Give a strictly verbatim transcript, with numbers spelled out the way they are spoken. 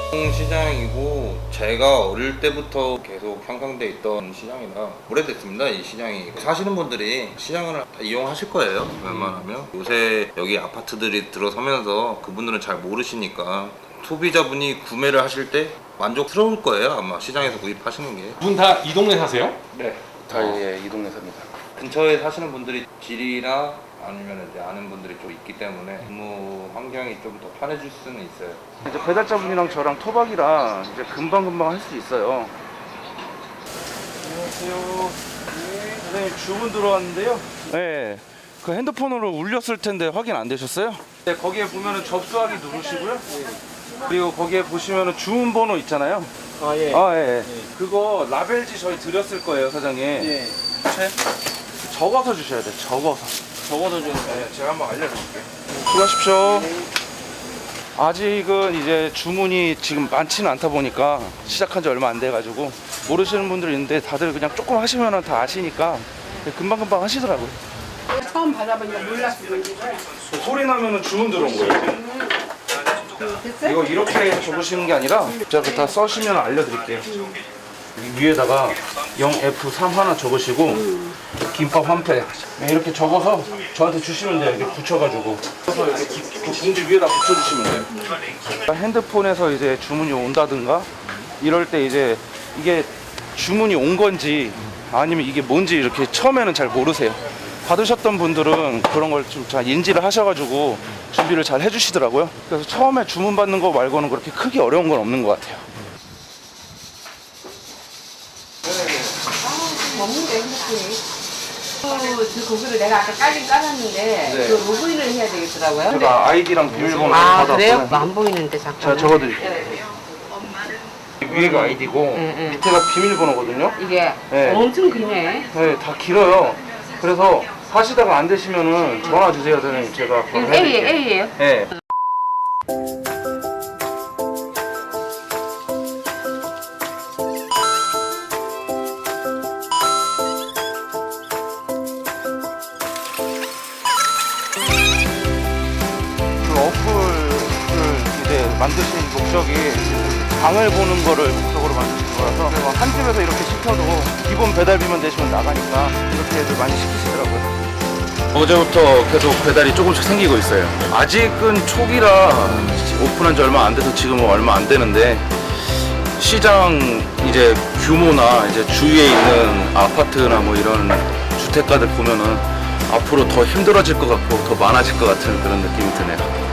시장이고 제가 어릴 때부터 계속 형성돼 있던 시장이라 오래됐습니다. 이 시장이 사시는 분들이 시장을 이용하실 거예요. 웬만하면 요새 여기 아파트들이 들어서면서 그분들은 잘 모르시니까 소비자분이 구매를 하실 때 만족스러울 거예요. 아마 시장에서 구입하시는 게. 두 분 다 이 동네 사세요? 네, 다 예, 이 동네 삽니다. 근처에 사시는 분들이 길이나 아니면 이제 아는 분들이 좀 있기 때문에 근무 환경이 좀 더 편해질 수는 있어요. 이제 배달자분이랑 저랑 토박이라 이제 금방금방 할 수 있어요. 안녕하세요. 네, 선생님 주문 들어왔는데요. 네, 그 핸드폰으로 울렸을 텐데 확인 안 되셨어요? 네, 거기에 보면은 접수하기 누르시고요. 그리고 거기에 보시면은 주문 번호 있잖아요. 아, 예. 아, 예. 예. 예. 그거 라벨지 저희 드렸을 거예요, 사장님. 예. 네? 적어서 주셔야 돼요. 적어서. 적어도 좀. 네, 제가 한번 알려드릴게요. 수고하십시오. 아직은 이제 주문이 지금 많지는 않다 보니까 시작한 지 얼마 안 돼가지고 모르시는 분들이 있는데 다들 그냥 조금 하시면 다 아시니까 금방금방 하시더라고요. 처음 받아보니까 몰랐어. 소리 나면은 주문 들어온 거예요. 됐어요? 이거 이렇게 적으시는 게 아니라 제가 그거 다 써시면 알려드릴게요. 여기 위에다가 영 에프 삼 하나 적으시고 김밥 한 팩 이렇게 적어서 저한테 주시면 돼요. 이렇게 붙여가지고 그래서 이렇게 기- 그 봉지 위에다 붙여주시면 돼요. 핸드폰에서 이제 주문이 온다든가 이럴 때 이제 이게 주문이 온 건지 아니면 이게 뭔지 이렇게 처음에는 잘 모르세요. 받으셨던 분들은 그런 걸 좀 잘 인지를 하셔가지고 준비를 잘 해주시더라고요. 그래서 처음에 주문 받는 거 말고는 그렇게 크게 어려운 건 없는 것 같아요. 먹는데 핸드폰이. 그, 그 고기를 내가 아까 까긴 까놨는데 네. 그 로그인을 해야 되겠더라고요. 제가 아이디랑 비밀번호 아 받았어요. 그래요? 안 보이는데 잠깐. 제가 적어드릴게요. 위에가 아이디고 응, 응. 밑에가 비밀번호거든요. 이게 네. 엄청 기네. 네, 다 길어요. 그래서 하시다가 안 되시면은 전화 주세요, 선생님. 제가 이거 그걸 A예요, 해드릴게요. A예요. 네. 그 어플을 이제 만드신 목적이 방을 보는 거를 목적으로 만드신 거라서 그래서 한 집에서 이렇게 시켜도 기본 배달비만 내시면 나가니까 이렇게들 많이 시키시더라고요. 어제부터 계속 배달이 조금씩 생기고 있어요. 아직은 초기라 오픈한 지 얼마 안 돼서 지금은 얼마 안 되는데 시장 이제 규모나 이제 주위에 있는 아파트나 뭐 이런 주택가들 보면은 앞으로 더 힘들어질 것 같고 더 많아질 것 같은 그런 느낌이 드네요.